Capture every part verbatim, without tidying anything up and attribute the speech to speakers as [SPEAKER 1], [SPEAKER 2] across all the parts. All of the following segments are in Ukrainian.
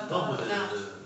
[SPEAKER 1] Хто буде?
[SPEAKER 2] Так.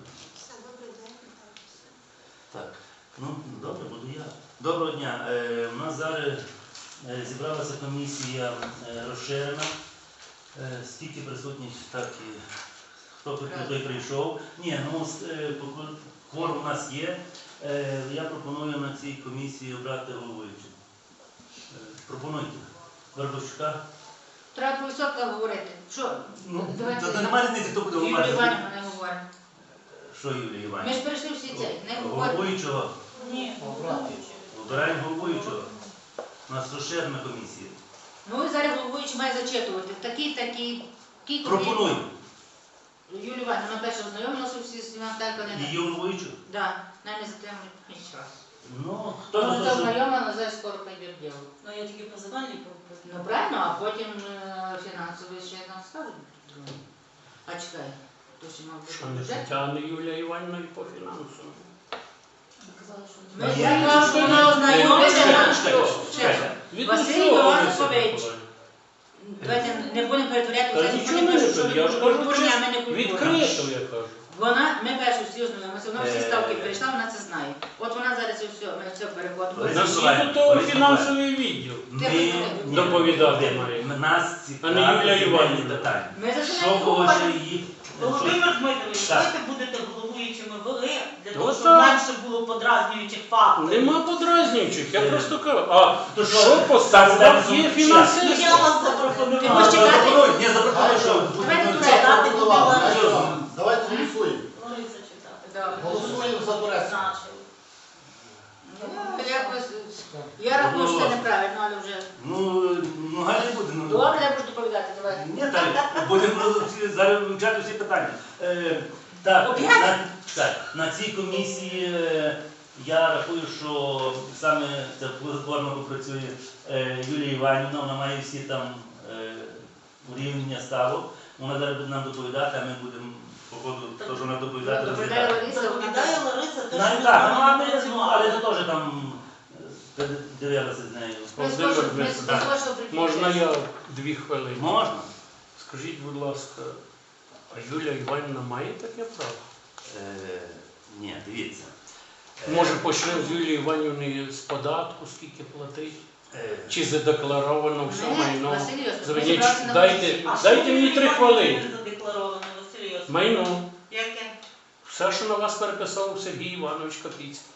[SPEAKER 1] Так, ну добре, буду я. Доброго дня. Е, у нас зараз е, зібралася комісія е, розширена. Е, скільки присутніх, так і хто тут той прийшов. Ні, ну е, кворум у нас є. Е, я пропоную на цій комісії обрати головуючу. Е, пропонуйте. Вербовщика.
[SPEAKER 2] Треба по відсотках говорити. Що?
[SPEAKER 1] Ну,
[SPEAKER 2] Давайте.
[SPEAKER 1] це немає різниці, хто буде
[SPEAKER 2] Юлія
[SPEAKER 1] говорити.
[SPEAKER 2] Іванівна не говорить.
[SPEAKER 1] Що Юлія
[SPEAKER 2] Ми
[SPEAKER 1] Іванівна?
[SPEAKER 2] ж перейшли всі ці. Не говоримо.
[SPEAKER 1] Головуючого.
[SPEAKER 3] Ні,
[SPEAKER 1] Обираємо головуючого. У нас розширена комісія.
[SPEAKER 2] Ну і зараз головуючий має зачитувати. Такий, такий, такий.
[SPEAKER 1] Пропоную.
[SPEAKER 2] Юлія Іванівна перша ознайомилася всі з Наталькою.
[SPEAKER 1] Її головуючу?
[SPEAKER 2] Так, нам не затримують нічого.
[SPEAKER 1] Ну, хто
[SPEAKER 2] Вона
[SPEAKER 1] за
[SPEAKER 2] це
[SPEAKER 1] те, що...
[SPEAKER 2] ознайомила, зараз скоро пойде в діло.
[SPEAKER 3] ну я тільки по загальній
[SPEAKER 2] Ну правильно, а потім е, фінансовий ще нам скажуть. А чекай, то ще мав
[SPEAKER 4] Що
[SPEAKER 2] бути
[SPEAKER 4] не
[SPEAKER 2] бюджет.
[SPEAKER 4] затягне Юлія Іванівна і по фінансовому.
[SPEAKER 2] Ми
[SPEAKER 1] Ні,
[SPEAKER 2] знаємо, що вона ознайомилася.
[SPEAKER 1] Чекайте, чекайте.
[SPEAKER 4] Від
[SPEAKER 2] Василь
[SPEAKER 4] усього
[SPEAKER 2] Іванович.
[SPEAKER 4] Олеся
[SPEAKER 2] Давайте не будемо перетворяти,
[SPEAKER 4] Та
[SPEAKER 2] взагалі
[SPEAKER 4] нічого
[SPEAKER 2] не
[SPEAKER 4] не
[SPEAKER 2] пишуть, що
[SPEAKER 4] перед- я ж
[SPEAKER 2] ми
[SPEAKER 4] кажу,
[SPEAKER 2] культурні, а ми не
[SPEAKER 4] це
[SPEAKER 2] культурні.
[SPEAKER 4] відкрито, я кажу.
[SPEAKER 2] Вона, ми перші всі ознайомилися, вона всі
[SPEAKER 1] Е.
[SPEAKER 2] ставки перейшла, вона це знає. От вона зараз і все, ми все переходимо.
[SPEAKER 1] Лариса
[SPEAKER 4] На всі
[SPEAKER 1] Миколаївна,
[SPEAKER 4] до того
[SPEAKER 1] Лариса
[SPEAKER 4] фінансовий відділ.
[SPEAKER 1] Ми
[SPEAKER 2] Ні,
[SPEAKER 4] доповідати
[SPEAKER 1] ні,
[SPEAKER 4] має.
[SPEAKER 1] Нас
[SPEAKER 4] А не Юлія
[SPEAKER 1] цікавить
[SPEAKER 4] Іванівна.
[SPEAKER 1] питання.
[SPEAKER 2] Ми за це
[SPEAKER 1] Що
[SPEAKER 2] не
[SPEAKER 1] кого ще
[SPEAKER 2] говоримо.
[SPEAKER 1] її...
[SPEAKER 3] Володимир Дмитрович,
[SPEAKER 1] Так.
[SPEAKER 3] давайте будете головуючими ви, для того,
[SPEAKER 4] Ну,
[SPEAKER 3] щоб
[SPEAKER 4] так.
[SPEAKER 3] менше було подразнюючих факторів.
[SPEAKER 4] Нема подразнюючих, я
[SPEAKER 1] Е.
[SPEAKER 4] просто кажу. А
[SPEAKER 1] То що,
[SPEAKER 4] що по ставках є
[SPEAKER 3] Ну,
[SPEAKER 4] фінансові?
[SPEAKER 3] я вас
[SPEAKER 2] Ти
[SPEAKER 3] запропонувала.
[SPEAKER 2] можеш чекати?
[SPEAKER 1] Запропонуй, ні, запропонуй, що...
[SPEAKER 2] Давайте
[SPEAKER 1] ну,
[SPEAKER 2] туди.
[SPEAKER 1] це-
[SPEAKER 3] Дати буде Лариса.
[SPEAKER 5] Давайте голосуємо.
[SPEAKER 3] Лариса читати.
[SPEAKER 2] Да.
[SPEAKER 5] Голосуємо за Турецьку.
[SPEAKER 3] Значить.
[SPEAKER 2] Ну, якось, я рахую, що це неправильно, але вже...
[SPEAKER 1] Ну, ну, гай не буде. ну.
[SPEAKER 2] Добре, я буду доповідати, давай.
[SPEAKER 1] Ні, так, будемо всі- зараз вивчати всі питання. Е, так,
[SPEAKER 2] Опять?
[SPEAKER 1] на, так, на цій комісії е, я рахую, що саме ця плодотворно попрацює е, Юлія Іванівна, вона має всі там е, урівняння ставок. Вона зараз буде нам доповідати, а ми будемо по ходу того, що вона доповідати,
[SPEAKER 2] Доповідає
[SPEAKER 1] розглядати.
[SPEAKER 2] Лариса, вона
[SPEAKER 3] Доповідає Лариса, те,
[SPEAKER 1] Ну,
[SPEAKER 3] що ми
[SPEAKER 1] так,
[SPEAKER 3] з
[SPEAKER 1] ну,
[SPEAKER 3] вами
[SPEAKER 1] але, ну, але це
[SPEAKER 3] працювали.
[SPEAKER 1] теж там е, дивилися з нею.
[SPEAKER 2] Ми з
[SPEAKER 4] Володимир
[SPEAKER 2] того, що- ми з
[SPEAKER 4] Дмитрович,
[SPEAKER 2] того, що прикінчили.
[SPEAKER 4] Можна я дві хвилини?
[SPEAKER 1] Можна?
[SPEAKER 4] Скажіть, будь ласка, а Юлія Іванівна має таке право?
[SPEAKER 1] Е, ні, дивіться. Е,
[SPEAKER 4] Може почнемо з Юлії Іванівни з податку, скільки платить?
[SPEAKER 1] е,
[SPEAKER 4] Чи задекларовано все
[SPEAKER 2] Ні,
[SPEAKER 4] майно?
[SPEAKER 2] Василь Йосипович, ми
[SPEAKER 4] Звеніть,
[SPEAKER 2] зібралися на
[SPEAKER 4] дайте,
[SPEAKER 2] комісії.
[SPEAKER 3] А що
[SPEAKER 4] дайте мені
[SPEAKER 3] Юлія
[SPEAKER 4] три
[SPEAKER 3] Іванівна
[SPEAKER 4] хвилини.
[SPEAKER 3] не задекларовано, Василь Йосипович?
[SPEAKER 4] Майно.
[SPEAKER 3] Яке?
[SPEAKER 4] Все, що на вас переписав Сергій Іванович Капіцький.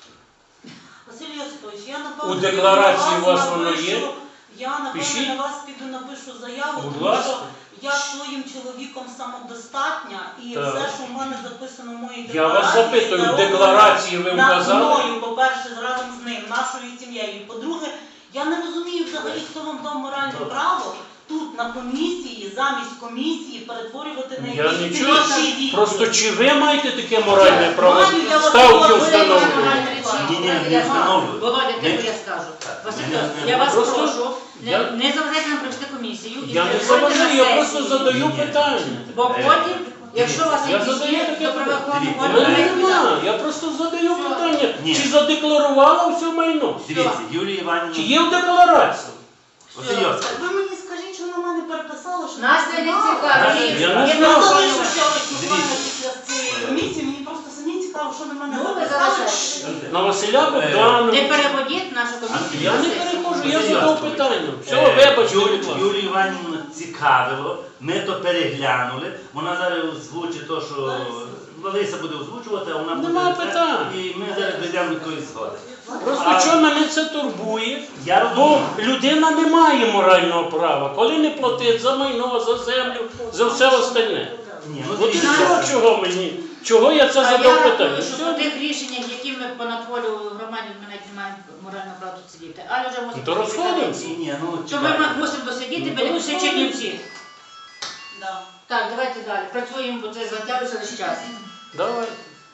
[SPEAKER 3] Василь Йосипович, я напевно
[SPEAKER 4] У декларації
[SPEAKER 3] піду
[SPEAKER 4] у вас
[SPEAKER 3] на
[SPEAKER 4] воно
[SPEAKER 3] напишу-
[SPEAKER 4] є?
[SPEAKER 3] Я напевно
[SPEAKER 4] Пишіть.
[SPEAKER 3] на вас піду напишу заяву,
[SPEAKER 4] Будь
[SPEAKER 3] тому
[SPEAKER 4] ласка.
[SPEAKER 3] що я своїм чоловіком самодостатня і
[SPEAKER 4] Так.
[SPEAKER 3] все, що в мене записано в моїй
[SPEAKER 4] Я вас
[SPEAKER 3] декларації,
[SPEAKER 4] запитую, в
[SPEAKER 3] зароблено
[SPEAKER 4] декларації ви
[SPEAKER 3] над
[SPEAKER 4] вказали?
[SPEAKER 3] мною, по-перше, разом з ним, нашою сім'єю. По-друге, я не розумію взагалі, хто вам дав моральне
[SPEAKER 1] Добре.
[SPEAKER 3] право тут на комісії, замість комісії перетворювати на
[SPEAKER 4] Я
[SPEAKER 3] якісь
[SPEAKER 4] нічого.
[SPEAKER 3] слідчі відділи.
[SPEAKER 4] Просто чи ви маєте таке моральне право
[SPEAKER 3] Маю, я вас
[SPEAKER 4] ставки
[SPEAKER 3] прошу.
[SPEAKER 4] встановлювати?
[SPEAKER 1] Ні, ні, не встановлюю.
[SPEAKER 2] Володя,
[SPEAKER 1] Не-
[SPEAKER 2] ти я скажу.
[SPEAKER 1] Так,
[SPEAKER 2] Василь,
[SPEAKER 1] не- не-
[SPEAKER 2] я вас
[SPEAKER 4] просто-
[SPEAKER 2] прошу, не,
[SPEAKER 4] я-
[SPEAKER 2] не заважайте нам провести комісію. і
[SPEAKER 4] Я не
[SPEAKER 2] приходьте
[SPEAKER 4] заважаю,
[SPEAKER 2] на
[SPEAKER 4] я просто
[SPEAKER 2] сесію.
[SPEAKER 4] задаю
[SPEAKER 1] Ні, ні.
[SPEAKER 4] питання.
[SPEAKER 2] Бо
[SPEAKER 1] Е,
[SPEAKER 2] потім, якщо у вас
[SPEAKER 4] Я
[SPEAKER 2] якісь
[SPEAKER 4] задаю
[SPEAKER 2] є,
[SPEAKER 4] таке
[SPEAKER 2] то правоохоронні
[SPEAKER 1] питання.
[SPEAKER 4] У
[SPEAKER 2] органи
[SPEAKER 4] мене
[SPEAKER 2] мають
[SPEAKER 4] немає,
[SPEAKER 2] відповідати.
[SPEAKER 4] я просто задаю
[SPEAKER 2] Що?
[SPEAKER 4] питання.
[SPEAKER 1] Ні.
[SPEAKER 4] Чи задекларувала все майно?
[SPEAKER 1] Дивіться, Юлія
[SPEAKER 4] Чи
[SPEAKER 1] Іванівна...
[SPEAKER 4] є в декларації?
[SPEAKER 1] Василь Йосипович,
[SPEAKER 3] Ви мені скажіть, що на мене переписали, що
[SPEAKER 2] Нас це не цікаво.
[SPEAKER 1] Я
[SPEAKER 4] не
[SPEAKER 2] Є
[SPEAKER 4] знаю.
[SPEAKER 3] Я
[SPEAKER 2] право
[SPEAKER 3] залишу
[SPEAKER 2] знімати.
[SPEAKER 3] ще ось буквально
[SPEAKER 1] Дивіться.
[SPEAKER 3] після цієї комісії, мені просто самі цікаво, що на мене
[SPEAKER 2] Ну, ви
[SPEAKER 3] записали.
[SPEAKER 2] залишайте.
[SPEAKER 4] На Василя
[SPEAKER 1] Е,
[SPEAKER 4] Богдановича.
[SPEAKER 2] Не переводіть нашу комісію.
[SPEAKER 4] Я
[SPEAKER 2] на
[SPEAKER 4] не
[SPEAKER 2] сесію.
[SPEAKER 4] перехожу, я
[SPEAKER 1] Василь
[SPEAKER 4] задав
[SPEAKER 1] Йосипович,
[SPEAKER 4] питання. Все,
[SPEAKER 1] е,
[SPEAKER 4] вибачте,
[SPEAKER 1] Юлі-
[SPEAKER 4] будь ласка.
[SPEAKER 1] Юлію Іванівну цікавило, ми то переглянули, вона зараз озвучить те, що Лариса буде озвучувати, а вона буде...
[SPEAKER 4] Нема
[SPEAKER 1] це,
[SPEAKER 4] питань.
[SPEAKER 1] І ми зараз дійдемо до якоїсь згоди.
[SPEAKER 4] Просто
[SPEAKER 1] А-
[SPEAKER 4] що мене це турбує?
[SPEAKER 1] Я
[SPEAKER 4] Бо
[SPEAKER 1] розумію.
[SPEAKER 4] людина не має морального права, коли не платить за майно, за землю, за все остальне.
[SPEAKER 1] Ні, ну
[SPEAKER 4] От і
[SPEAKER 1] дивіться.
[SPEAKER 4] все, чого мені, чого я це
[SPEAKER 2] А я
[SPEAKER 4] задав питання.
[SPEAKER 2] рахую, що
[SPEAKER 4] Все.
[SPEAKER 2] по тих рішеннях, які ми понатворювали в громаді, ми навіть не маємо морального права тут сидіти. Але вже мусимо...
[SPEAKER 4] Ну, то розходимося.
[SPEAKER 1] Ні, ні, ну
[SPEAKER 2] То ми
[SPEAKER 1] чекайте.
[SPEAKER 2] мусимо досидіти,
[SPEAKER 4] Ну,
[SPEAKER 2] біля
[SPEAKER 4] то
[SPEAKER 2] всі
[SPEAKER 4] розходимося.
[SPEAKER 2] Чернівці.
[SPEAKER 3] Да.
[SPEAKER 2] Так, давайте далі. Працюємо, бо це затягується весь час.
[SPEAKER 4] Давай.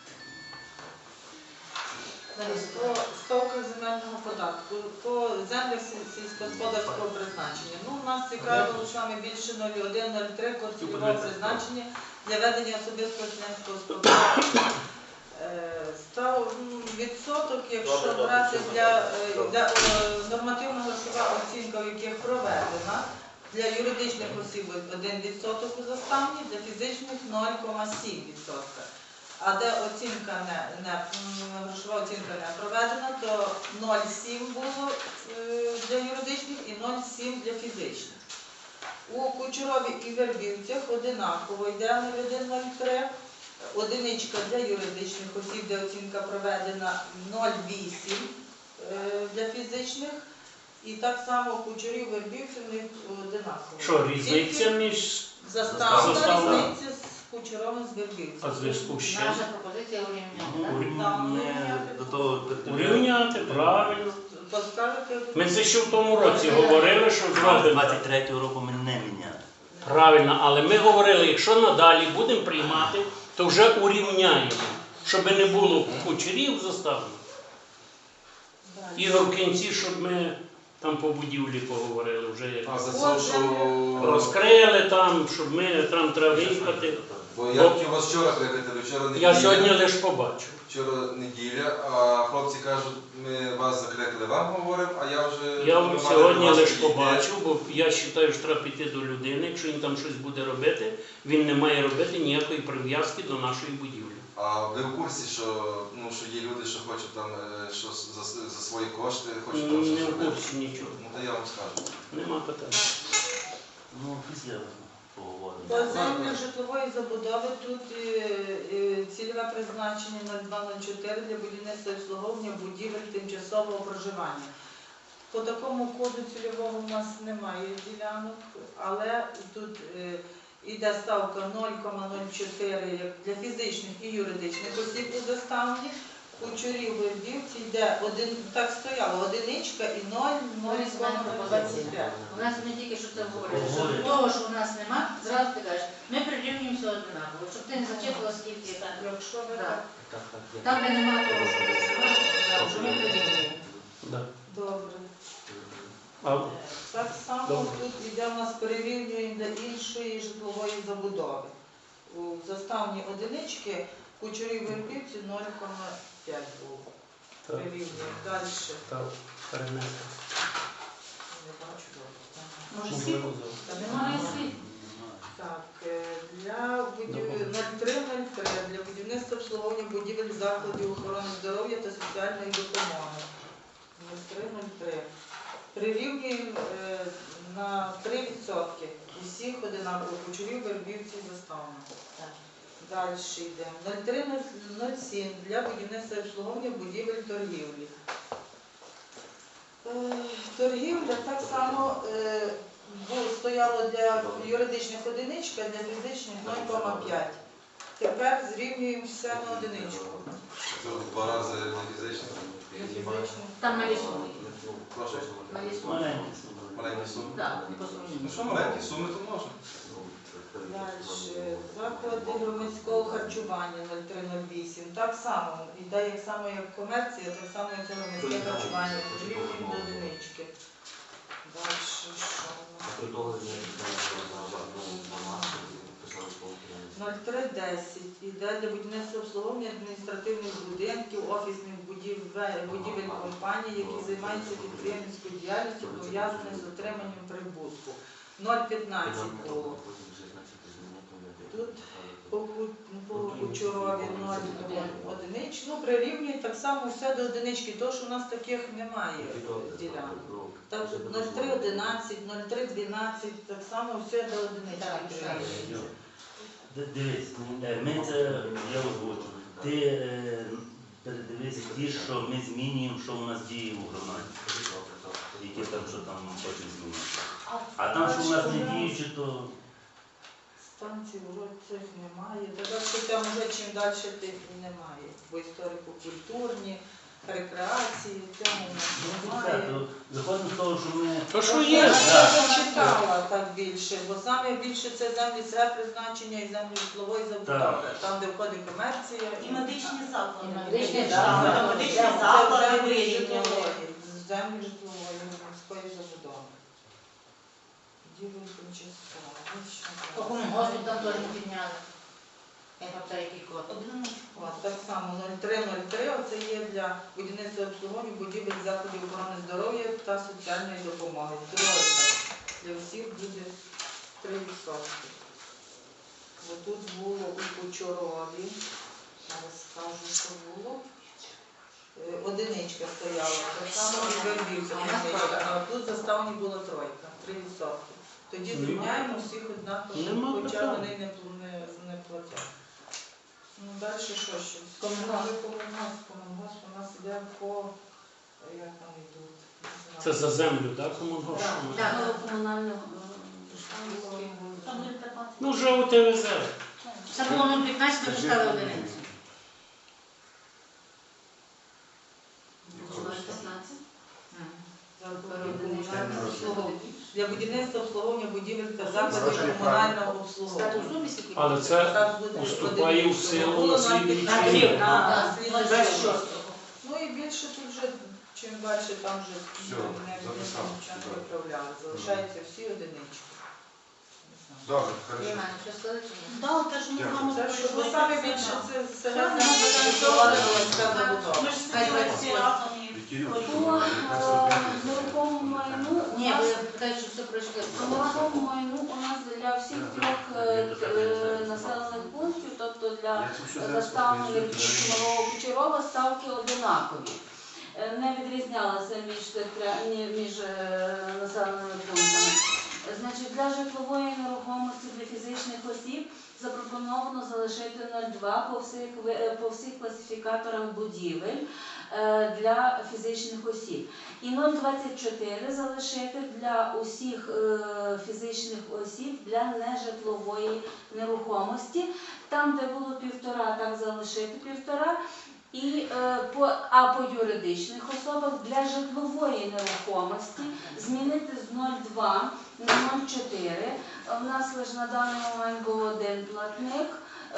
[SPEAKER 6] По ставках земельного податку, по землях сіль- сільськогосподарського призначення. Ну, у нас цікавило саме більше нуль один нуль три код цільового призначення для ведення особистого селянського господарства. Е, Став м, відсоток, якщо брати для, е, для е, нормативно-грошова оцінка, в яких проведена, для юридичних осіб один відсоток у заставні, для фізичних нуль цілих сім відсотка. А де оцінка не, не м, грошова оцінка не проведена, то нуль цілих сім було е, для юридичних і нуль цілих сім для фізичних. У Кучерові і Вербівцях одинаково йде нуль один нуль три, одиничка для юридичних осіб, де оцінка проведена нуль цілих вісім е, для фізичних. І так само у Кучерів, Вербівців в них одинаково.
[SPEAKER 4] Що, різниця між
[SPEAKER 6] Заставна
[SPEAKER 4] Заставна.
[SPEAKER 6] різниця з Кучеровим, з Вербівцем.
[SPEAKER 4] а зв'язку з чим?
[SPEAKER 2] Наша пропозиція урівняти.
[SPEAKER 1] Ну, не до того
[SPEAKER 4] Урівняти, правильно.
[SPEAKER 6] Поскажете,
[SPEAKER 4] Ми це ще в тому році говорили, що зробимо.
[SPEAKER 1] двадцять третього року ми не міняли.
[SPEAKER 4] Правильно, але ми говорили, якщо надалі будемо приймати, то вже урівняємо, щоб не було кучерів заставно. Ігор в кінці, щоб ми там по будівлі поговорили вже як.
[SPEAKER 7] А за це, що...
[SPEAKER 4] Розкрили там, щоб ми там треба виїхати.
[SPEAKER 7] Бо я хотів вас вчора кликати, вчора неділя.
[SPEAKER 4] Я сьогодні лише побачив.
[SPEAKER 7] Вчора неділя, а хлопці кажуть, ми вас закликали, вам говоримо, а я вже...
[SPEAKER 4] Я
[SPEAKER 7] ми мали
[SPEAKER 4] сьогодні
[SPEAKER 7] до вас
[SPEAKER 4] лише
[SPEAKER 7] підійти.
[SPEAKER 4] побачив, бо я вважаю, що треба піти до людини. Якщо він там щось буде робити, він не має робити ніякої прив'язки до нашої будівлі.
[SPEAKER 7] А ви в курсі, що, ну, що є люди, що хочуть там, е, що за, за свої кошти, хочуть там
[SPEAKER 4] Не
[SPEAKER 7] щось
[SPEAKER 4] в
[SPEAKER 7] робити?
[SPEAKER 4] курсі нічого.
[SPEAKER 7] Ну, то я вам скажу.
[SPEAKER 4] Нема питань.
[SPEAKER 1] Ну, після поговоримо.
[SPEAKER 6] по землях житлової забудови тут е, е, цільове призначення нуль два нуль чотири для будівництва і обслуговування будівель тимчасового проживання. По такому коду цільового у нас немає ділянок, але тут е, іде ставка нуль цілих нуль чотири як для фізичних і юридичних осіб у заставні. Кучерів, Вербівці йде один, так стояло, одиничка і нуль цілих нуль двадцять п'ять.
[SPEAKER 2] У нас ми тільки що це говорили, що
[SPEAKER 1] Говорили.
[SPEAKER 2] того, що у нас нема, зразу ти кажеш, ми прирівнюємося одинаково, щоб ти не зачепила скільки там.
[SPEAKER 6] Якщо ви
[SPEAKER 2] Так.
[SPEAKER 6] так.
[SPEAKER 2] Там, де нема того, що ми зразу, що ми прирівнюємо.
[SPEAKER 4] Да.
[SPEAKER 6] Добре.
[SPEAKER 4] А
[SPEAKER 6] Так само
[SPEAKER 4] Добре.
[SPEAKER 6] тут йде у нас перерівнюємо для іншої житлової забудови. У заставні одинички Кучерів, Вербівці нуль цілих п'ять було.
[SPEAKER 4] так,
[SPEAKER 6] Перерівнюємо. Далі.
[SPEAKER 4] так, перенесли.
[SPEAKER 6] Не бачу добре.
[SPEAKER 2] Може,
[SPEAKER 4] Ну,
[SPEAKER 2] всі?
[SPEAKER 4] вивозили.
[SPEAKER 6] Та
[SPEAKER 2] Немає
[SPEAKER 6] немає.
[SPEAKER 2] слів.
[SPEAKER 6] Так, е, для будів... нуль три нуль три для будівництва обслуговування будівель закладів охорони здоров'я та соціальної допомоги. нуль три нуль три. Прирівнюємо е, на три відсотки. Усіх одинаково Кучерів, Вербівці, Заставна.
[SPEAKER 2] Так.
[SPEAKER 6] Далі йдемо. нуль три нуль сім для будівництва і обслуговування будівель торгівлі. Е, Торгівля так само е, бу- стояло для юридичних одиничка, для фізичних нуль цілих п'ять. Тепер зрівнюємо все на одиничку.
[SPEAKER 7] Це в два рази для фізичних.
[SPEAKER 6] Для фізичних.
[SPEAKER 2] Там малі суми.
[SPEAKER 7] Прошу.
[SPEAKER 2] Малі суми.
[SPEAKER 1] Маленькі суми.
[SPEAKER 7] Маленькі суми.
[SPEAKER 2] Так, не по сумі.
[SPEAKER 7] Ну що маленькі суми, то можна.
[SPEAKER 6] Далі. Заклади громадського харчування нуль три нуль вісім. Так само. Іде як само як комерція, так само як це громадське харчування. Зрівнюємо до одинички. Далі що у нас? нуль три десять іде для будівництва обслуговування адміністративних будинків, офісних будівель, будівель компаній, які займаються підприємницькою діяльністю, пов'язаною з отриманням прибутку. нуль п'ятнадцять було. Тут по, Ку- по Кучерові нуль одинички. Ну, прирівнюють так само все до одинички, тому що у нас таких немає ділянок. Так, нуль три одинадцять, нуль три дванадцять, так само все до одинички прирівнюється.
[SPEAKER 1] Д- Дивись, е, ми це, я озвучу. Ти е, передивись ті, що ми змінюємо, що у нас діє у громаді. Які там, що там хочуть змінити. А там, що у нас не діючі, то
[SPEAKER 6] Станції вроді цих немає. Так що там вже чим далі тим і немає. Бо історико-культурні, рекреації, цьому у нас
[SPEAKER 1] ну, це
[SPEAKER 6] немає.
[SPEAKER 1] так, то виходимо з того, що ми
[SPEAKER 4] То що
[SPEAKER 6] Я
[SPEAKER 4] є?
[SPEAKER 6] зачитала так більше, бо саме більше це землі все призначення і землі житлової забудови. Там, де входить комерція
[SPEAKER 3] І медичні заклади.
[SPEAKER 2] І медичні
[SPEAKER 3] Так,
[SPEAKER 2] заклади.
[SPEAKER 3] там медичні
[SPEAKER 6] Це
[SPEAKER 3] заклади
[SPEAKER 6] землі
[SPEAKER 3] вирівняли.
[SPEAKER 6] житлової, землі житлової громадської забудови. Діло тимчасово.
[SPEAKER 2] По комунгоспу там теж не підняли. Я пам'ятаю, який код.
[SPEAKER 3] Одиничку.
[SPEAKER 6] От, так само нуль три нуль три, оце є для будівництва і обслуговування будівель закладів охорони здоров'я та соціальної допомоги. Тройка. для всіх буде три відсотки. Бо тут було у Кучорові, зараз скажу, що було. Е, Одиничка стояла, так само і Вербівця одиничка, а тут заставні була тройка, три відсотки. Тоді
[SPEAKER 4] Нема.
[SPEAKER 6] звільняємо всіх однаково,
[SPEAKER 4] Нема
[SPEAKER 6] хоча
[SPEAKER 4] питань.
[SPEAKER 6] вони не, пл- не, не платять. Ну, далі що ще?
[SPEAKER 2] Комунгосп.
[SPEAKER 6] Комунгосп, комунгосп у нас іде по, як там йдуть? Не знаю.
[SPEAKER 4] Це за землю, так, комунгосп?
[SPEAKER 2] Так, ну, комунального.
[SPEAKER 3] Там нуль п'ятнадцять.
[SPEAKER 4] Ну, вже у ТВЗ.
[SPEAKER 2] Це було нуль п'ятнадцять, ми вже стали одиницю.
[SPEAKER 6] Для будівництва обслуговування будівель та закладів комунального обслуговування.
[SPEAKER 2] Статус сумі скільки?
[SPEAKER 4] Але це
[SPEAKER 6] Так буде
[SPEAKER 4] уступає в
[SPEAKER 6] одиниця.
[SPEAKER 4] силу
[SPEAKER 6] Було
[SPEAKER 4] на
[SPEAKER 6] на
[SPEAKER 4] слідуючий
[SPEAKER 6] п'ятнадцять,
[SPEAKER 4] рік.
[SPEAKER 6] на
[SPEAKER 2] Так,
[SPEAKER 6] слідуючий
[SPEAKER 2] двадцять
[SPEAKER 6] рік.
[SPEAKER 2] шостого.
[SPEAKER 6] Ну і більше тут вже, чим далі, там вже
[SPEAKER 7] Всьо,
[SPEAKER 6] не
[SPEAKER 7] записав.
[SPEAKER 6] нічого не виправляли. Залишаються всі одинички. Не знаю.
[SPEAKER 7] Добре, хорошо.
[SPEAKER 2] Євгене, що сказати чи ні?
[SPEAKER 3] Да, те ж ми з вами
[SPEAKER 6] Це що ви
[SPEAKER 3] пройшли,
[SPEAKER 6] самі
[SPEAKER 3] це
[SPEAKER 6] більше
[SPEAKER 3] да.
[SPEAKER 6] це
[SPEAKER 3] Це
[SPEAKER 6] селян
[SPEAKER 3] ми
[SPEAKER 6] організовували волонтерська
[SPEAKER 3] Ми
[SPEAKER 6] забудова.
[SPEAKER 3] ж сиділи всі разом і
[SPEAKER 8] По нерухомому майну у
[SPEAKER 2] Ні,
[SPEAKER 8] нас
[SPEAKER 2] бо я питаю, що все пройшли.
[SPEAKER 8] по нерухомому майну у нас для всіх трьох е, е, населених пунктів, тобто для заставлених Малого Кучерова, ставки одинакові. Е, Не відрізнялися між, тих тря- ні- між е, населеними пунктами. Значить, для житлової нерухомості для фізичних осіб запропоновано залишити нуль цілих два по всіх, ви- е, по всіх класифікаторах будівель е, для фізичних осіб. І нуль цілих двадцять чотири залишити для усіх е, фізичних осіб для нежитлової нерухомості. Там, де було півтора, так залишити півтора. І, е, по, а по юридичних особах для житлової нерухомості змінити з нуль цілих два на нуль цілих чотири. У нас лише на даний момент був один платник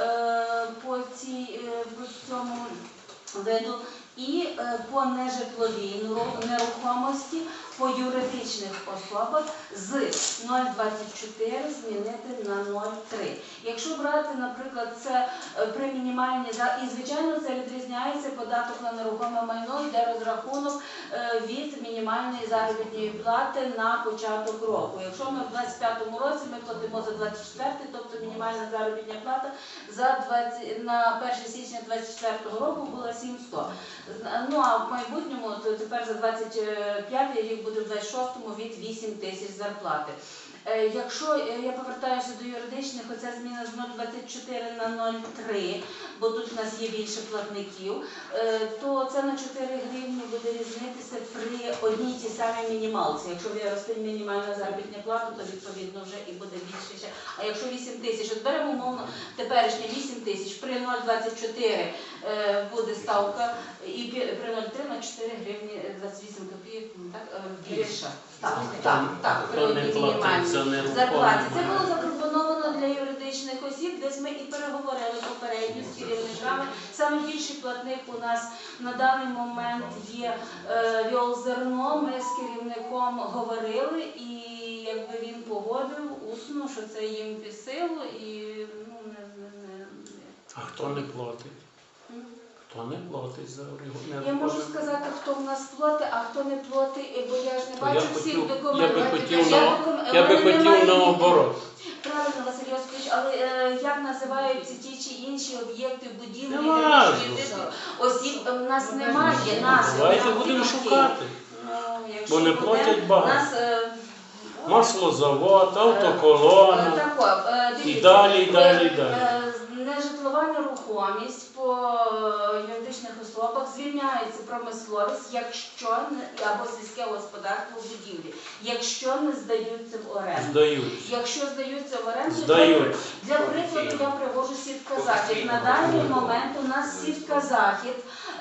[SPEAKER 8] е, по, цій, е, по цьому виду. І е, по нежитловій неру- нерухомості, по юридичних особах з нуль цілих двадцять чотири змінити на нуль цілих три. Якщо брати, наприклад, це е, при мінімальній, за- і звичайно це відрізняється податок на нерухоме майно, йде розрахунок е, від мінімальної заробітної плати на початок року. Якщо ми в двадцять п'ятому році ми платимо за двадцять четвертий, тобто мінімальна заробітна плата за двадцять, на перше січня двадцять четвертого року була сімсот. Ну а в майбутньому то тепер за двадцять п'ятий рік буде в двадцять шостому від вісім тисяч зарплати. Е, Якщо е, я повертаюся до юридичних, оця зміна з нуль цілих двадцять чотири на нуль цілих три, бо тут у нас є більше платників, е, то це на чотири гривні буде різнитися при одній тій самій мінімалці. Якщо виросте мінімальна заробітна плата, то відповідно вже і буде більше ще. А якщо вісім тисяч, от беремо умовно теперішнє вісім тисяч, при нуль цілих двадцять чотири е, буде ставка, і пі- при нуль цілих три на чотири гривні двадцять вісім копійок, так, е, більша. Так, так, так, при
[SPEAKER 4] Хто не
[SPEAKER 6] Тобто
[SPEAKER 8] одній
[SPEAKER 4] платить
[SPEAKER 8] мінімальній
[SPEAKER 4] за нерухоме
[SPEAKER 8] зарплаті. Це було
[SPEAKER 4] майно.
[SPEAKER 8] запропоновано для юридичних осіб, десь ми і переговорили попередньо з керівниками. Саме більший платник у нас на даний момент є е, Віолзерно. Ми з керівником говорили, і якби він погодив усно, що це їм під силу, і ну не, не, не, не.
[SPEAKER 4] А хто не платить?
[SPEAKER 8] М?
[SPEAKER 4] Хто не платить за нерухоме?
[SPEAKER 8] Я можу сказати, хто в нас платить, а хто не платить, бо я ж не
[SPEAKER 4] То я
[SPEAKER 8] бачу
[SPEAKER 4] хотів-
[SPEAKER 8] всіх
[SPEAKER 4] я би
[SPEAKER 8] документів.
[SPEAKER 4] хотів
[SPEAKER 8] Я
[SPEAKER 4] на-
[SPEAKER 8] докум-
[SPEAKER 4] Я
[SPEAKER 8] в
[SPEAKER 4] би
[SPEAKER 8] мене
[SPEAKER 4] хотів
[SPEAKER 8] немає
[SPEAKER 4] наоборот.
[SPEAKER 8] Правильно, Василь Йосипович, але е, як називаються ті чи інші об'єкти, будівлі,
[SPEAKER 4] Не важливо.
[SPEAKER 8] юридичних осіб, е, в нас немає нас.
[SPEAKER 4] Давайте
[SPEAKER 8] нас
[SPEAKER 4] будемо
[SPEAKER 8] тільки.
[SPEAKER 4] шукати.
[SPEAKER 8] Ну, якщо
[SPEAKER 4] Бо не
[SPEAKER 8] буде,
[SPEAKER 4] платять багато.
[SPEAKER 8] Нас, е,
[SPEAKER 4] Маслозавод, автоколона.
[SPEAKER 8] е, тако, е,
[SPEAKER 4] І
[SPEAKER 8] дивіться,
[SPEAKER 4] далі, і далі, і
[SPEAKER 8] е,
[SPEAKER 4] далі.
[SPEAKER 8] е, Нежитлова нерухомість по е, юридичних особах звільняється промисловість, якщо не або сільське господарство будівлі, якщо не здаються в оренду.
[SPEAKER 4] Здають.
[SPEAKER 8] Якщо здаються в оренду,
[SPEAKER 4] Здають.
[SPEAKER 8] для прикладу я привожу сітка захід. На даний момент у нас сітка захід,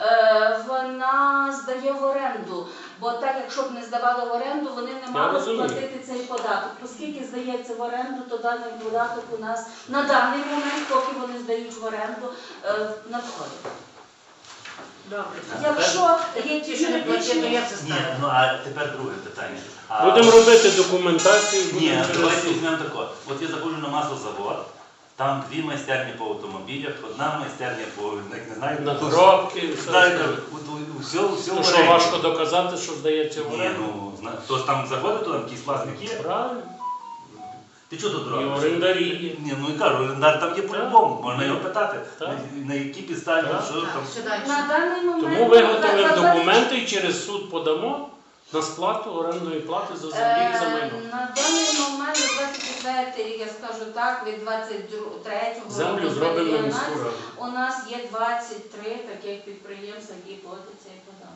[SPEAKER 8] е, вона здає в оренду. Бо так, якщо б не здавали в оренду, вони не мали
[SPEAKER 4] розумію.
[SPEAKER 8] сплатити цей податок. Оскільки здається в оренду, то даний податок у нас на даний момент, поки вони здають в оренду, е, надходить.
[SPEAKER 2] Добре.
[SPEAKER 8] Якщо є
[SPEAKER 2] Ті, що не платять, то
[SPEAKER 8] юридичні...
[SPEAKER 2] як це
[SPEAKER 1] Ні,
[SPEAKER 2] стане?
[SPEAKER 1] ну а тепер друге питання. А,
[SPEAKER 4] Будемо робити документацію.
[SPEAKER 1] Ні,
[SPEAKER 4] будемо
[SPEAKER 1] давайте
[SPEAKER 4] через-
[SPEAKER 1] візьмемо тако. От я заходжу на маслозавод, там дві майстерні по автомобілях, одна майстерня по, не знаю,
[SPEAKER 4] На
[SPEAKER 1] то-
[SPEAKER 4] коробки, все
[SPEAKER 1] знаєте,
[SPEAKER 4] остальне.
[SPEAKER 1] от- от- все, все
[SPEAKER 4] То
[SPEAKER 1] в
[SPEAKER 4] що
[SPEAKER 1] оренді.
[SPEAKER 4] важко доказати, що здається в
[SPEAKER 1] Ні,
[SPEAKER 4] оренду?
[SPEAKER 1] ну на- хтось там заходить, то там якийсь власник є.
[SPEAKER 4] Правильно.
[SPEAKER 1] Ти чого тут
[SPEAKER 4] І
[SPEAKER 1] робиш?
[SPEAKER 4] орендарі є.
[SPEAKER 1] Ні, ну і кажу, орендар там є по-любому, можна його питати,
[SPEAKER 4] Так.
[SPEAKER 1] на, на які підставі,
[SPEAKER 4] Так.
[SPEAKER 1] що
[SPEAKER 2] Так,
[SPEAKER 1] там.
[SPEAKER 2] що далі?
[SPEAKER 8] На даний момент
[SPEAKER 4] Тому виготовимо
[SPEAKER 8] за- за-
[SPEAKER 4] документи і через суд подамо на сплату орендної плати за землі і за
[SPEAKER 8] Е,
[SPEAKER 4] майно.
[SPEAKER 8] На даний момент, двадцять четвертий рік, я скажу так, від двадцять третього
[SPEAKER 4] Землю
[SPEAKER 8] року
[SPEAKER 4] зробимо на
[SPEAKER 8] у нас-
[SPEAKER 4] міську раду.
[SPEAKER 8] у нас є двадцять три таких підприємств, які платять цей податок.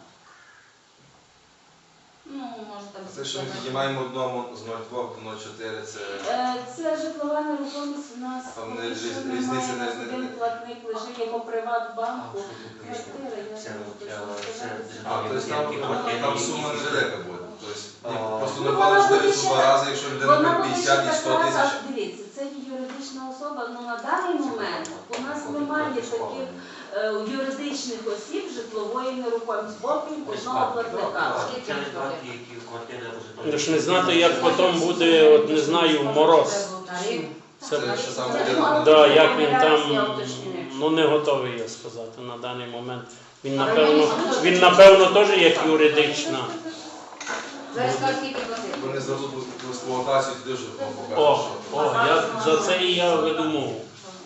[SPEAKER 8] Ну, може там...
[SPEAKER 7] Це що ми піднімаємо одному з нуль два до нуль чотири, це
[SPEAKER 8] Е, Це житлова нерухомість у нас.
[SPEAKER 7] Там не
[SPEAKER 8] поки
[SPEAKER 7] різ-
[SPEAKER 8] що
[SPEAKER 7] різниця
[SPEAKER 8] немає.
[SPEAKER 7] не-
[SPEAKER 8] У нас
[SPEAKER 7] не-
[SPEAKER 8] один
[SPEAKER 7] не-
[SPEAKER 8] платник лежить як у Приватбанку. Квартира, я
[SPEAKER 9] Це,
[SPEAKER 8] не можу
[SPEAKER 9] е,
[SPEAKER 8] точно
[SPEAKER 9] це
[SPEAKER 8] сказати.
[SPEAKER 7] а, тобто там,
[SPEAKER 9] Які
[SPEAKER 7] там
[SPEAKER 9] які
[SPEAKER 7] сума
[SPEAKER 9] які
[SPEAKER 7] невелика буде. Тобто ні,
[SPEAKER 9] А.
[SPEAKER 7] просто
[SPEAKER 8] Ну,
[SPEAKER 7] не
[SPEAKER 8] вона
[SPEAKER 7] вкладеш
[SPEAKER 8] буде
[SPEAKER 7] дивись
[SPEAKER 8] ще
[SPEAKER 7] у два
[SPEAKER 8] так-
[SPEAKER 7] рази, якщо людина
[SPEAKER 8] Вона
[SPEAKER 7] на
[SPEAKER 8] буде
[SPEAKER 7] п'ятдесят
[SPEAKER 8] ще
[SPEAKER 7] і сто
[SPEAKER 8] така,
[SPEAKER 7] тисяч.
[SPEAKER 8] а дивіться, це є юридична особа, ну на даний момент у нас немає таких е, юридичних осіб житлової нерухомості, окрім одного платника.
[SPEAKER 9] Це не платять, які квартири або
[SPEAKER 4] Ви ж не знати, як потім буде, от не знаю, мороз. Це,
[SPEAKER 7] Це що там
[SPEAKER 8] Це
[SPEAKER 7] буде.
[SPEAKER 8] мало
[SPEAKER 4] да,
[SPEAKER 8] бути
[SPEAKER 4] як він там,
[SPEAKER 8] я уточнюю.
[SPEAKER 4] ну не готовий я сказати на даний момент. Він напевно, він напевно теж як юридична.
[SPEAKER 2] Зараз скажу, скільки платити.
[SPEAKER 7] Вони здадуть в експлуатацію, туди вже вам
[SPEAKER 4] О,
[SPEAKER 7] покажуть, що.
[SPEAKER 4] о, я за це і я веду мову.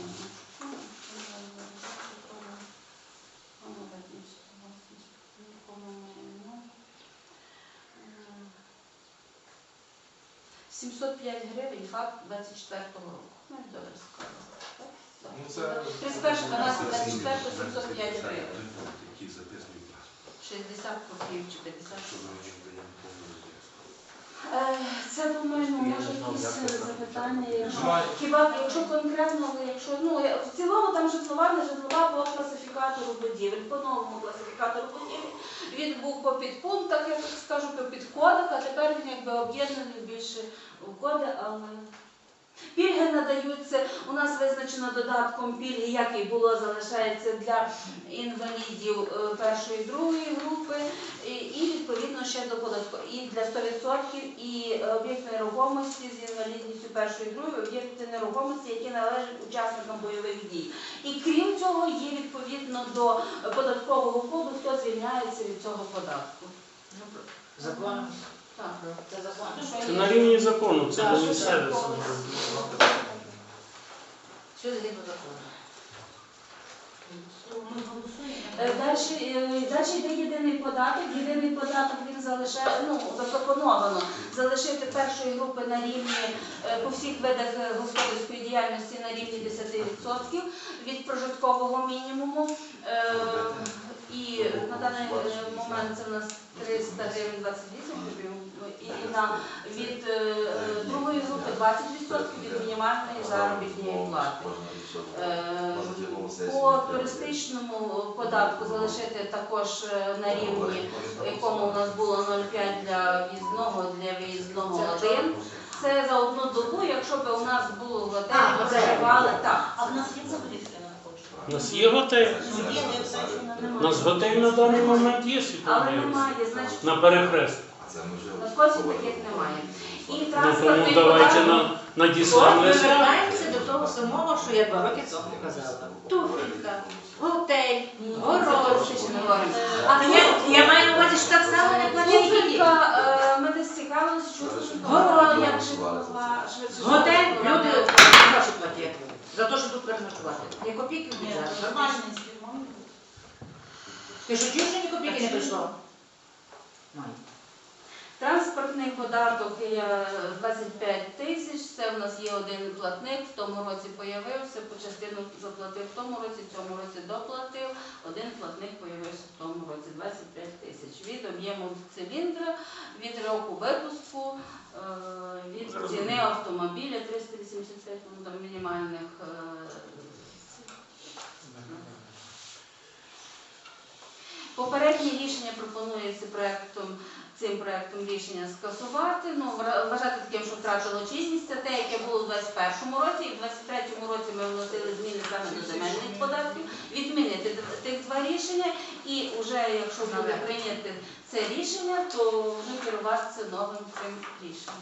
[SPEAKER 8] сімсот п'ять гривень, факт двадцять четвертого року. Ну, і добре сказала. Так? Так.
[SPEAKER 7] Ну, це
[SPEAKER 8] тридцять першого дванадцятого двадцять четвертого сімсот п'ять гривень. шістдесят копійок чи п'ятдесят. Е, Це, думаю, ну, може якісь е, запитання, якщо, хіба, якщо конкретно, ви, якщо, ну, е, в цілому там житлова, не житлова по класифікатору будівель, по новому класифікатору будівель, він був по підпунктах, я так скажу, по підкодах, а тепер він якби об'єднаний більше в коди, але... Пільги надаються, у нас визначено додатком пільги, як і було, залишається для інвалідів е, першої і другої групи, і, і відповідно ще до податку, і для сто відсотків, і е, об'єкт нерухомості з інвалідністю першої і другої, об'єкти нерухомості, які належать учасникам бойових дій. І крім цього, є відповідно до податкового коду, хто звільняється від цього податку.
[SPEAKER 2] Закон.
[SPEAKER 8] Так.
[SPEAKER 2] Це закон.
[SPEAKER 4] Це на рівні закону, це
[SPEAKER 8] Так,
[SPEAKER 4] не
[SPEAKER 8] що
[SPEAKER 4] місцеве.
[SPEAKER 8] це?
[SPEAKER 2] Що згідно закону?
[SPEAKER 8] Е, Далі, е, далі йде єдиний податок. Єдиний податок він залишає, ну, запропоновано залишити першої групи на рівні е, по всіх видах е, господарської діяльності на рівні десять відсотків від прожиткового мінімуму. Е, І на даний е, момент це у нас триста гривень двадцять вісім гривень. І на від е, другої групи двадцять відсотків від мінімальної заробітної плати. Е, По туристичному податку залишити також е, на рівні, в якому у нас було нуль цілих п'ять для в'їзного, для виїзного один. Це за одну добу, якщо б у нас було в готелі,
[SPEAKER 2] А,
[SPEAKER 8] ми
[SPEAKER 2] готель.
[SPEAKER 8] проживали так.
[SPEAKER 3] А в нас є взагалі таке на
[SPEAKER 4] У нас є готель.
[SPEAKER 3] Ну, є, не все, що на
[SPEAKER 4] У нас готель на даний момент є
[SPEAKER 8] Але
[SPEAKER 4] світовий.
[SPEAKER 8] немає, значить,
[SPEAKER 4] На перехрест.
[SPEAKER 8] на Скотську таких немає. І
[SPEAKER 4] Ну тому
[SPEAKER 8] транспортний
[SPEAKER 4] давайте
[SPEAKER 8] податок.
[SPEAKER 4] на, надіслемо
[SPEAKER 2] От ми
[SPEAKER 4] лист.
[SPEAKER 2] вертаємося до того самого, що я два роки тому казала.
[SPEAKER 8] Туфелька.
[SPEAKER 2] Готель,
[SPEAKER 8] Ну,
[SPEAKER 2] город.
[SPEAKER 8] це ще не говоримо.
[SPEAKER 2] А я, я маю на увазі, що так само не платять і діти.
[SPEAKER 8] Туфелька, е, ми десь цікавилися, що
[SPEAKER 2] Город.
[SPEAKER 8] як житлова, швидше.
[SPEAKER 2] Готель, люди гроші платять за те, що тут переночувати. Ні копійки в
[SPEAKER 3] Ні,
[SPEAKER 2] бюджет.
[SPEAKER 3] нормальний співмовник.
[SPEAKER 2] Ти що чуєш, що ні копійки не прийшло? Має.
[SPEAKER 8] Транспортний податок є двадцять п'ять тисяч, це в нас є один платник, в тому році появився, по частину заплатив в тому році, в цьому році доплатив, один платник появився в тому році, двадцять п'ять тисяч. Від об'єму циліндра, від року випуску, е, від ціни автомобіля триста вісімдесят п'ять ну, там, мінімальних. е, Попереднє рішення пропонується проектом, цим проектом рішення скасувати, ну, вра- вважати таким, що втратило чинність. Це те, яке було в двадцять першому році, і в двадцять третьому році ми вносили зміни саме до земельних податків, відмінити д- тих два рішення, і вже якщо буде прийняти це рішення, то вже керуватися новим цим рішенням.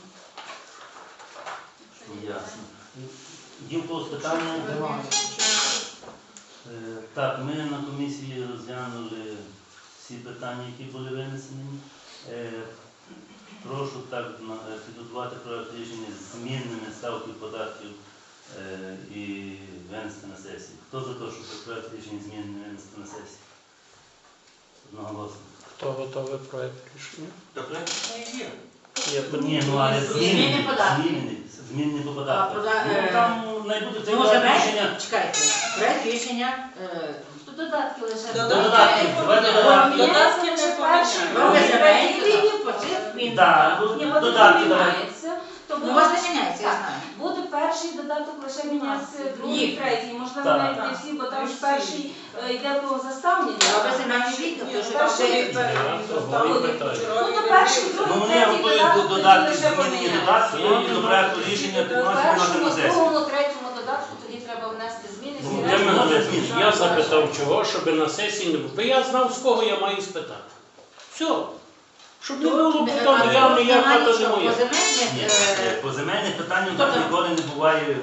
[SPEAKER 1] Ясно. Є в когось питання? Е, Так, ми на комісії розглянули всі питання, які були винесені. Е, Прошу так на- е, підготувати проект рішення з змінними ставки податків е, і винести на сесію. Хто за те, щоб проект рішення змінними винести на сесію? Одноголосно.
[SPEAKER 4] Хто готовий проект рішення?
[SPEAKER 9] То проект є.
[SPEAKER 4] Я
[SPEAKER 1] Ні, ну але
[SPEAKER 2] Змінні
[SPEAKER 1] змінні,
[SPEAKER 2] податки.
[SPEAKER 1] змінні, змінні по податках.
[SPEAKER 2] А, пода-
[SPEAKER 1] Ну,
[SPEAKER 2] е,
[SPEAKER 1] там найбуде це
[SPEAKER 2] Ну,
[SPEAKER 1] проект
[SPEAKER 2] земель,
[SPEAKER 1] рішення.
[SPEAKER 2] чекайте, проект рішення, е,
[SPEAKER 8] Тут додатки лише.
[SPEAKER 6] Додатки.
[SPEAKER 1] Давайте
[SPEAKER 8] Додатки
[SPEAKER 1] додатки.
[SPEAKER 6] Додатки
[SPEAKER 8] не
[SPEAKER 6] не
[SPEAKER 8] перший.
[SPEAKER 6] поміняли.
[SPEAKER 2] Роги
[SPEAKER 8] другий,
[SPEAKER 2] земель,
[SPEAKER 8] третій
[SPEAKER 2] рівні
[SPEAKER 8] рік.
[SPEAKER 2] по цих змін.
[SPEAKER 1] Да, ну,
[SPEAKER 8] Ні, вони
[SPEAKER 1] додатки
[SPEAKER 8] не
[SPEAKER 1] давайте.
[SPEAKER 8] міняються. То
[SPEAKER 2] Ну, у
[SPEAKER 8] буде-
[SPEAKER 2] вас не міняється, я
[SPEAKER 8] так,
[SPEAKER 2] знаю.
[SPEAKER 8] Буде перший додаток лише мінятися, другий,
[SPEAKER 2] Їх.
[SPEAKER 8] третій. Можливо,
[SPEAKER 1] Так.
[SPEAKER 8] навіть не всі, бо там ж перший е, йде про заставлення.
[SPEAKER 2] Роги земельні рік, тому що там
[SPEAKER 8] Перший
[SPEAKER 2] вже
[SPEAKER 8] рік. Ну, то перший,
[SPEAKER 1] Ну,
[SPEAKER 8] другий,
[SPEAKER 1] вони
[SPEAKER 8] третій
[SPEAKER 1] готують
[SPEAKER 8] додаток,
[SPEAKER 1] до додатки,
[SPEAKER 8] тоді лише
[SPEAKER 1] змінені
[SPEAKER 8] поміняти.
[SPEAKER 1] додатки і до проекту рішення
[SPEAKER 8] У
[SPEAKER 1] підносять на
[SPEAKER 8] першому,
[SPEAKER 1] сесію.
[SPEAKER 8] другому, третьому додатку тоді треба внести зміни.
[SPEAKER 1] Ну,
[SPEAKER 8] всі
[SPEAKER 1] я
[SPEAKER 8] решта
[SPEAKER 1] мене
[SPEAKER 8] буде
[SPEAKER 1] зміни.
[SPEAKER 8] зміна.
[SPEAKER 4] Я запитав, чого, щоб на сесії не було. Бо я знав, з кого я маю спитати. Все. Щоб не було потім, я не я хата не моя.
[SPEAKER 2] По земельних,
[SPEAKER 1] Ні,
[SPEAKER 2] е,
[SPEAKER 1] е, по земельних питаннях
[SPEAKER 2] Хто
[SPEAKER 1] так
[SPEAKER 2] там?
[SPEAKER 1] ніколи не буває.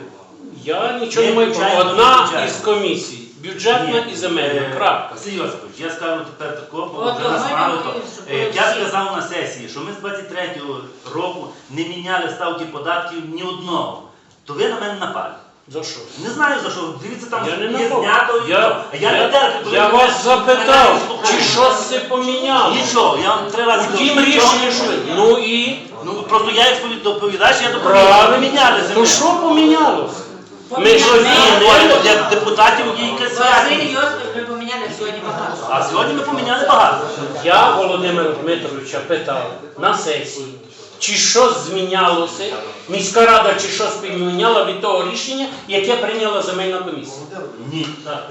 [SPEAKER 4] Я нічого не
[SPEAKER 1] Є
[SPEAKER 4] маю.
[SPEAKER 1] бюджетна,
[SPEAKER 4] Одна
[SPEAKER 1] бюджетна.
[SPEAKER 4] із комісій. Бюджетна
[SPEAKER 1] Ні,
[SPEAKER 4] і земельна.
[SPEAKER 1] е,
[SPEAKER 4] Крапка.
[SPEAKER 1] Василь Йосипович, я скажу тепер такого, бо
[SPEAKER 2] От,
[SPEAKER 1] вже нас
[SPEAKER 2] от,
[SPEAKER 1] мало
[SPEAKER 2] от,
[SPEAKER 1] то.
[SPEAKER 2] щоб
[SPEAKER 1] Е,
[SPEAKER 2] було
[SPEAKER 1] Я
[SPEAKER 2] всі.
[SPEAKER 1] сказав на сесії, що ми з двадцять третього року не міняли ставки податків ні одного. То ви на мене напали.
[SPEAKER 4] За що?
[SPEAKER 1] Не знаю за що. Дивіться, там
[SPEAKER 4] Я не
[SPEAKER 1] є
[SPEAKER 4] напав.
[SPEAKER 1] знято. і
[SPEAKER 4] Я,
[SPEAKER 1] то. А я,
[SPEAKER 4] я,
[SPEAKER 1] не терплю, коли
[SPEAKER 4] я
[SPEAKER 1] ви
[SPEAKER 4] вас
[SPEAKER 1] мене-
[SPEAKER 4] запитав,
[SPEAKER 1] мене
[SPEAKER 4] чи
[SPEAKER 1] слухаєте.
[SPEAKER 4] щось це поміняло.
[SPEAKER 1] Нічого, я вам три рази
[SPEAKER 4] Втім,
[SPEAKER 1] кажу,
[SPEAKER 4] рішення
[SPEAKER 1] нічого.
[SPEAKER 4] що? Ну і?
[SPEAKER 1] Ну просто я як доповідач, я доповідаю.
[SPEAKER 4] Правильно.
[SPEAKER 1] Міняли землю.
[SPEAKER 4] Ну що помінялося? Ми що
[SPEAKER 2] Поміняли.
[SPEAKER 1] Для
[SPEAKER 4] змінили?
[SPEAKER 1] депутатів є якась
[SPEAKER 2] Василь
[SPEAKER 1] святість.
[SPEAKER 2] Йосипович, ми поміняли сьогодні багато.
[SPEAKER 1] А сьогодні ми поміняли багато.
[SPEAKER 4] Я Володимира Дмитровича питав на сесії, чи щось змінялося, міська рада чи щось поміняла від того рішення, яке прийняла земельна комісія.
[SPEAKER 1] Ні.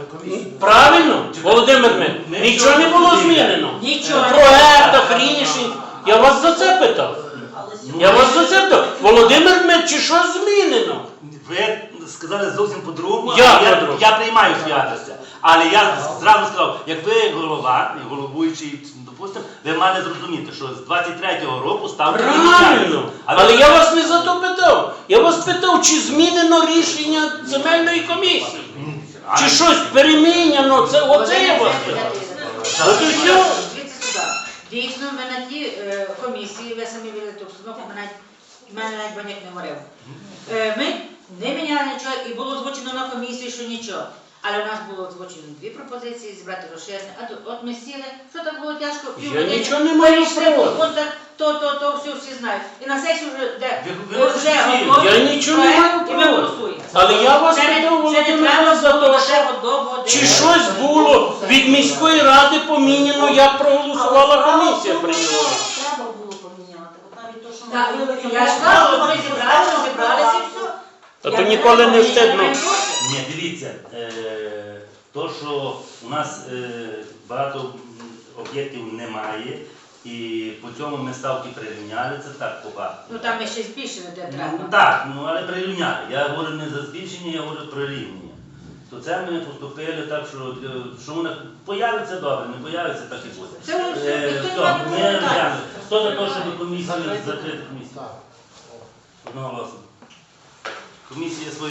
[SPEAKER 4] Правильно, Володимир Дмитрович? Нічого не було змінено.
[SPEAKER 2] Нічого.
[SPEAKER 4] В проектах, рішень. Я вас за це питав. Я вас за це питав. Володимир Дмитрович, чи щось змінено?
[SPEAKER 1] Ви сказали зовсім по-другому,
[SPEAKER 4] Я
[SPEAKER 1] а я,
[SPEAKER 4] по-другому.
[SPEAKER 1] я приймаю святості. Але я зразу сказав, як ви голова, і головуючий, допустимо, ви мали зрозуміти, що з двадцять третього року ставки не міняються.
[SPEAKER 4] Правильно.
[SPEAKER 1] А ви-
[SPEAKER 4] Але я вас не за то питав. Я вас питав, чи змінено рішення земельної комісії.
[SPEAKER 1] А-
[SPEAKER 4] Чи щось переміняно, це оце я вас питав. От і все.
[SPEAKER 2] Дивіться сюди. Дійсно, ви на тій е, комісії, ви самі видали ту обстановку, ми навіть, мене навіть баняк не говорив. Е, ми не міняли нічого і було озвучено на комісії, що нічого. Але у нас було озвучено дві пропозиції, зібрати розширення. А тут от ми сіли, що так було тяжко,
[SPEAKER 4] Я нічого не маю
[SPEAKER 2] перейшли
[SPEAKER 4] проти.
[SPEAKER 2] по пунктах, то, то, то, все всі знають. І на сесію вже, де
[SPEAKER 1] Ви- ви
[SPEAKER 2] е,
[SPEAKER 1] можете
[SPEAKER 2] вже
[SPEAKER 1] всі.
[SPEAKER 2] готовий
[SPEAKER 4] Я нічого не
[SPEAKER 2] проект,
[SPEAKER 4] маю
[SPEAKER 2] і ми
[SPEAKER 4] проти.
[SPEAKER 2] голосуємо.
[SPEAKER 4] Але я вас
[SPEAKER 2] Це не-
[SPEAKER 4] питав,
[SPEAKER 2] це не
[SPEAKER 4] Володимир,
[SPEAKER 2] треба
[SPEAKER 4] за
[SPEAKER 2] було
[SPEAKER 4] те,
[SPEAKER 2] ще
[SPEAKER 4] що
[SPEAKER 2] готово,
[SPEAKER 4] чи
[SPEAKER 2] де-
[SPEAKER 4] щось було від міської ради поміняно, як проголосувала комісія прийняла.
[SPEAKER 3] Треба було поміняти. От навіть то, що ми
[SPEAKER 2] Так,
[SPEAKER 3] говорили,
[SPEAKER 2] я ж кажу, вони зібралися, зібралися і все.
[SPEAKER 4] А то ніколи не встигну.
[SPEAKER 1] Ні, дивіться, е, то, що у нас е, багато м, об'єктів немає, і по цьому ми ставки прирівняли, це так погано.
[SPEAKER 2] Ну там ми ще збільшили, де
[SPEAKER 1] Ну
[SPEAKER 2] треба.
[SPEAKER 1] так, ну але прирівняли. Я говорю не за збільшення, я говорю про рівнення. То це ми поступили так, що, е, що воно появиться добре, не появиться, так і буде.
[SPEAKER 2] Це вже все,
[SPEAKER 1] Е,
[SPEAKER 2] ніхто
[SPEAKER 1] хто?
[SPEAKER 2] не має
[SPEAKER 1] Ми
[SPEAKER 2] питань.
[SPEAKER 1] розглянули. Хто за те, щоб комісію закрити комісію?
[SPEAKER 5] Так.
[SPEAKER 1] Одноголосно. Комісія свої.